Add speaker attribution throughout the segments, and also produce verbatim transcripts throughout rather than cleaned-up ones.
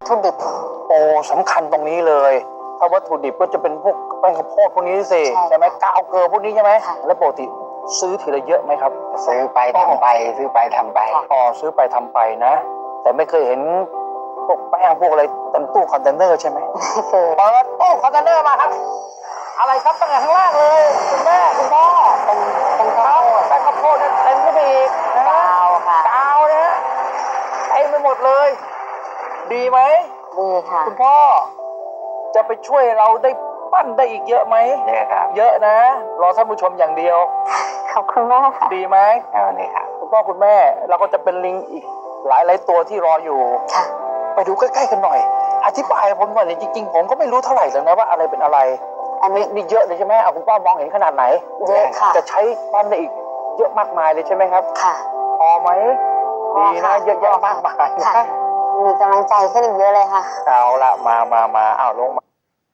Speaker 1: ถุดิบ
Speaker 2: โอ้สำคัญตรงนี้เลยถ้าวัตถุดิบก็จะเป็นพวกแป้งข้าวโพดพวกนี้สิใช่ไหมกาวเกลือพวกนี้ใช่ไหมแล้วปกติซื้อทีละเยอะไหมครับ
Speaker 3: ซื้อไปทำไปซื้อไปทำไป
Speaker 2: อ๋อซื้อไปทำไปนะแต่ไม่เคยเห็นพวกแป้งพวกอะไรเต็มตู้คอนเทนเนอร์ใช่ไหม
Speaker 1: ไม่เคย
Speaker 2: เปิดตู้คอนเทนเนอร์มาครับอะไรครับตั้งแต่ข้างล่างเลยคุณแม่คุณพ่อ
Speaker 1: เป็นเป็นข้าวโพด
Speaker 2: แป้งข้าวโพดเต็มขึ้นไปอีกนะ
Speaker 1: กาวค่ะ
Speaker 2: กาวนะเต็มไปหมดเลยดีไหม
Speaker 1: ดีค่ะ
Speaker 2: คุณพ่อจะไปช่วยเราได้ปั้นได้อีกเยอะไหม
Speaker 3: เยอะครับ
Speaker 2: เยอะนะรอท่านผู้ชมอย่างเดียว
Speaker 1: ขอบคุณมากค่ะ
Speaker 2: ดีไหม
Speaker 3: เอาเลยครับ
Speaker 2: คุณพ่อคุณแม่เราก็จะเป็นลิงอีกหลายหลายตัวที่รออยู่
Speaker 1: ค่ะ
Speaker 2: ไปดูใกล้ๆกันหน่อยอธิบายผมหน่อยจริงๆผมก็ไม่รู้เท่าไหร่เลยนะว่าอะไรเป็นอะไร
Speaker 1: อันนี้
Speaker 2: นี่เยอะเลยใช่ไหมเอาคุณพ่อมองเห็นขนาดไหน
Speaker 1: เยอะค่ะ
Speaker 2: จะใช้ปั้นได้อีกเยอะมากมายเลยใช่ไหมครับ
Speaker 1: ค่ะ
Speaker 2: พอไหมดีนะเยอะแยะมากมาย
Speaker 1: ค่ะมีกำลังใจขึ้นอีกเยอะเลยค่ะ
Speaker 2: เอาละมามามาเอาลงมา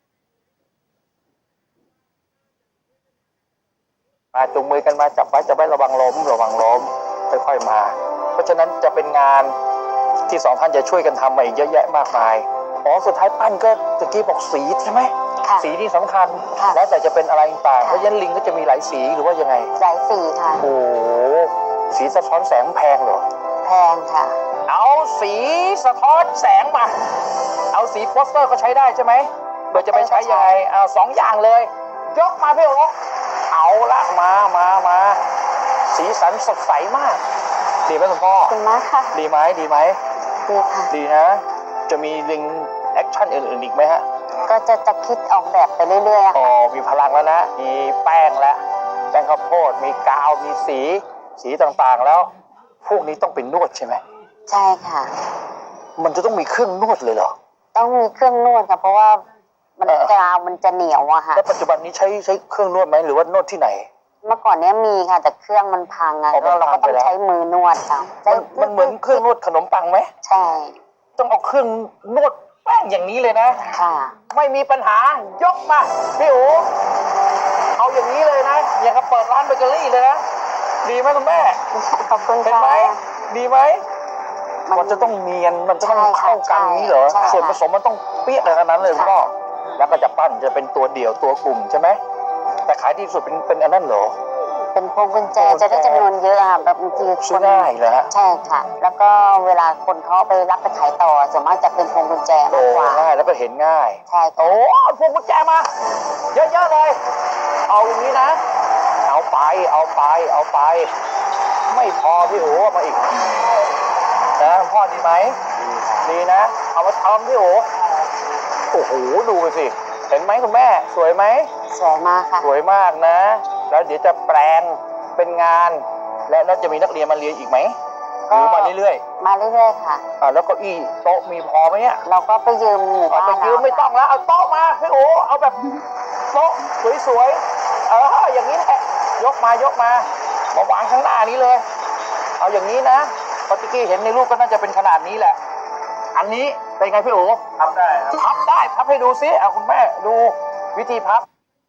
Speaker 2: มาจุงมือกันมาจับไว้จับไว้ระวังล้มระวังล้มค่อยๆมาเพราะฉะนั้นจะเป็นงานที่สองท่านจะช่วยกันทำมาอีกเยอะแยะมากมายอ๋อสุดท้ายปั้นก็ตะกี้บอกสีใช่ไหมสีที่สำคัญแล้วแต่จะเป็นอะไรต่างเพราะฉะนั้นลิงก็จะมีหลายสีหรือว่ายังไง
Speaker 1: หลายสีค่ะ
Speaker 2: โอ้สีสะท้อนแสงแพงเหรอ
Speaker 1: แพงค่ะ
Speaker 2: เอาสีสะท้อนแสงมาเอาสีโปสเตอร์ก็ใช้ได้ใช่ไหมเดี๋ยวจะไปใช้ยังไงเอาสองอย่างเลยยกมาพี่โอ๊คเอาละมามามาสีสันสดใสมากดีไหมคุณพ่อ
Speaker 1: ขอบคุณมากค่ะ
Speaker 2: ดีไหมดีไหม
Speaker 1: ดีค่ะ
Speaker 2: ดีนะจะมีลิงแอคชั่นอื่นๆอีกไหมฮะ
Speaker 1: ก็จะจะคิดออกแบบไปเรื่อยๆ
Speaker 2: อ๋อมีพลังแล้วนะมีแป้งแล้วแป้งข้าวโพดมีกาวมีสีสีต่างๆแล้วพวกนี้ต้องเป็นนวดใช่ไหม
Speaker 1: ใช่ค่ะ
Speaker 2: มันจะต้องมีเครื่องนวดเลยเหรอ
Speaker 1: ต้องมีเครื่องนวดค่ะเพราะว่ามันกาวมันจะเหนียวอะค่ะ
Speaker 2: แล้วปัจจุบันนี้ใช้ใช้เครื่องนวดไหมหรือว่านวดที่ไหน
Speaker 1: เมื่อก่อนเนี้ยมีค่ะแต่เครื่องมันพังอะแล้วเราก็ต้องใช้มือนวดค่ะ
Speaker 2: มันเหมือนเครื่องนวดขนมปังไหม
Speaker 1: ใช่
Speaker 2: ต้องเอาเครื่องนวดแป้งอย่างนี้เลยนะ
Speaker 1: ค่ะ
Speaker 2: ไม่มีปัญหายกมาพี่โอ๋เอาอย่างนี้เลยนะอย่างกับเปิดร้านเบเกอรี่เลยนะดีไหมคุณแม่
Speaker 1: ขอบคุณค่ะ
Speaker 2: เห็นไหมดีไหมมันจะต้องเนียนมันจะต้องเข้ากันนี้เหรอส่วนผสมมันต้องเปี้ยอะไรขนาดนั้นเลยคุณพ่อแล้วก็จะปั้นจะเป็นตัวเดี่ยวตัวกลุ่มใช่ไหมแต่ขายดีสุดเป็นเป็นอันนั้นเหรอ
Speaker 1: เป็นพวงกุญแจจะได้จำนวนเยอะค่ะแบบบางที
Speaker 2: คนง่ายเลยฮะ
Speaker 1: ใช่ค่ะแล้วก็เวลาคนเขาไปรับไปขายต่อส่วนมากจะเป็นพวงกุญแจมากกว่า
Speaker 2: ง่ายแล้วก็เห็นง่าย
Speaker 1: ใช่
Speaker 2: โอ้พวงกุญแจมาเยอะๆเลยเอาอย่างนี้นะเอาไปเอาไปเอาไปไม่พอพี่โอ๋มาอีกนะพ่อดีไหมดีนะเอามาทำพี่โอ๋โอ้โหดูไปสิเห็นไหมคุณแม่สวยไหม
Speaker 1: สวยมากค่ะ
Speaker 2: สวยมากนะแล้วเดี๋ยวจะแปลงเป็นงานและแล้วจะมีนักเรียนมาเรียนอีกไหมหรือมาเรื่อย
Speaker 1: ๆมาเรื่อยๆค่ะ
Speaker 2: อ่าแล้วเก้าอี้โต๊ะมีพอไหมเนี่ย
Speaker 1: เราก็ไปยืมหมู่บ้าน
Speaker 2: ไปยืมไม่ต้องแล้วเอาโต๊ะมาพี่โอ๋เอาแบบโต๊ะสวยๆเอออย่างนี้แหละยกมายกมามาวางข้างหน้านี้เลยเอาอย่างนี้นะพอตะกี้เห็นในรูปก็น่าจะเป็นขนาดนี้แหละอันนี้เป็นไงพี่โอ๋พับได้พับได้พับให้ดูซิเอาคุณแม่ดูวิธีพับ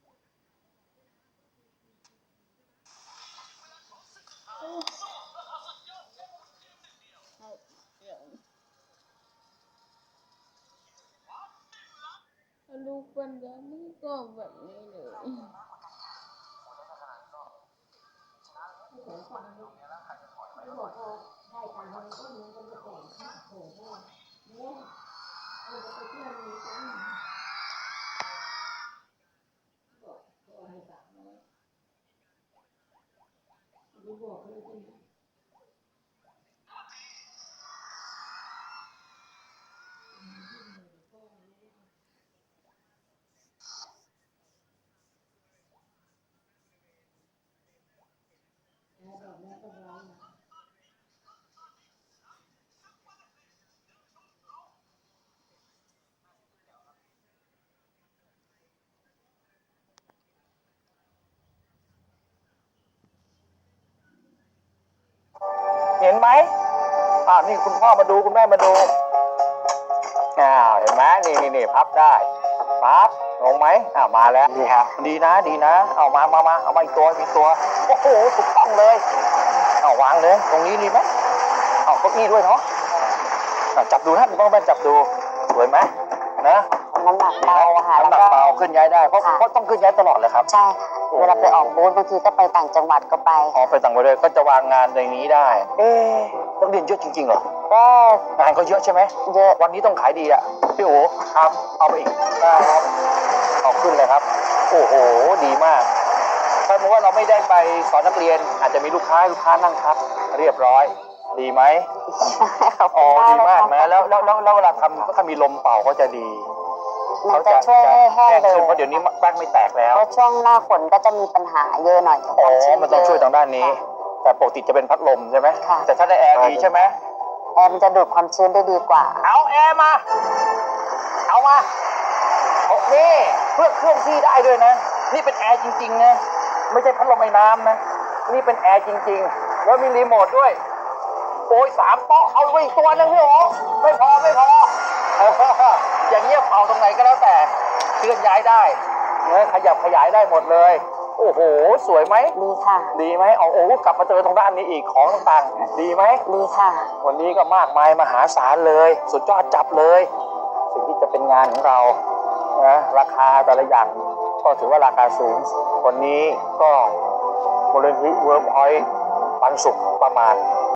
Speaker 4: ลูกปัญญานี่ก็แบบนี้เลย
Speaker 2: เห็นไหมอ่านี่คุณพ่อมาดูคุณแม่มาดูอ้าวเห็นไหมนี่นี่นี่พับได้พับลงไหมอ้าวมาแล้ว
Speaker 3: ดีครับ
Speaker 2: ดีนะดีนะเอามามามาเอามาอีกตัวอีกตัวโอ้โหถูกต้องเลยเอาวางเลยตรงนี้ดีไหมเอาเก้าอี้ด้วยเนาะจับดูนะคุณพ่อแม่จับดูสวยไหมนะ
Speaker 1: น้ำหนักเบาอะค่ะ
Speaker 2: น้ำหนักเบาขึ้นย้ายได้เพราะ
Speaker 1: ค่ะ
Speaker 2: เพราะต้องขึ้นย้ายตลอดเลยครับ
Speaker 1: ใช่ค่ะเวลาไปออกบูธบางทีก็ไปต่างจังหวัดก็ไป
Speaker 2: ออกไปต่างประเทศก็จะวางงานในนี้ได้ เอ๊ะต้องเรียนเยอะจริงๆเหรอ
Speaker 1: ก็
Speaker 2: งานก็เยอะใช่ไหม
Speaker 1: เยอะ
Speaker 2: วันนี้ต้องขายดีอ่ะพี่โอ๋ครับเอาไปอีกได้ครับเอาขึ้นเลยครับ โอ้โหดีมากถ้าสมมติว่าเราไม่ได้ไปสอนนักเรียน อาจจะมีลูกค้าลูกค้านั่งพักเรียบร้อย ดีไหม
Speaker 1: ขอบ
Speaker 2: อ๋
Speaker 1: คุ
Speaker 2: อ
Speaker 1: ณ
Speaker 2: ดีมาก
Speaker 1: เลย
Speaker 2: นะ
Speaker 1: ค่ะ
Speaker 2: แล้วแล้วแล้วแล้วเวลาทำถ้ามีลมเป่าก็จะดี
Speaker 1: มันจะช่วยให้แห้ง
Speaker 2: แห้ง
Speaker 1: เร็ว
Speaker 2: ขึ้นเพราะเดี๋ยวนี้แป้งไม่แตกแล้ว
Speaker 1: เพราะช่วงหน้าฝนก็จะมีปัญหาเยอะหน่อย
Speaker 2: อ๋อ
Speaker 1: การชื้
Speaker 2: มันต้องช่วยทางด้านนี้
Speaker 1: ค่ะ
Speaker 2: แต่ปกติจะเป็นพัดลมใช่ไหม
Speaker 1: ค่ะ
Speaker 2: แต่ถ้าได้แอร์ดีใช่ไหม
Speaker 1: แอร์มันจะดูดความชื้นได้ดีกว่า
Speaker 2: เอาแอร์มา เอามาเอานี่เพื่อเคลื่อนที่ได้ด้วยนะ นี่เป็นแอร์จริงๆนะ ไม่ใช่พัดลมไอ้น้ำนะ นี่เป็นแอร์จริงๆ แล้วมีรีโมทด้วย โอ้ยสามโต๊ะเอาไปอีกตัวหนึงพี่โอ๋ไม่พอไม่พอเอออย่างเงี้ยเป่าตรงไหนก็แล้วแต่เคลื่อนย้ายได้เนื้อขยับขยายได้หมดเลย โอ้โห สวยไหม
Speaker 1: ดีค่ะ
Speaker 2: ดีไหมเอาโอ้กลับมาเจอตรงด้านนี้อีกของต่างๆ ดีไหม
Speaker 1: ดีค่ะ
Speaker 2: วันนี้ก็มากมายมหาศาลเลย สุดยอดจับเลย สิ่งที่จะเป็นงานของเรานะราคาแต่ละอย่างก็ถือว่าราคาสูง วันนี้ก็มูลนิธิเวิร์กพอยต์ปันสุขประมาณ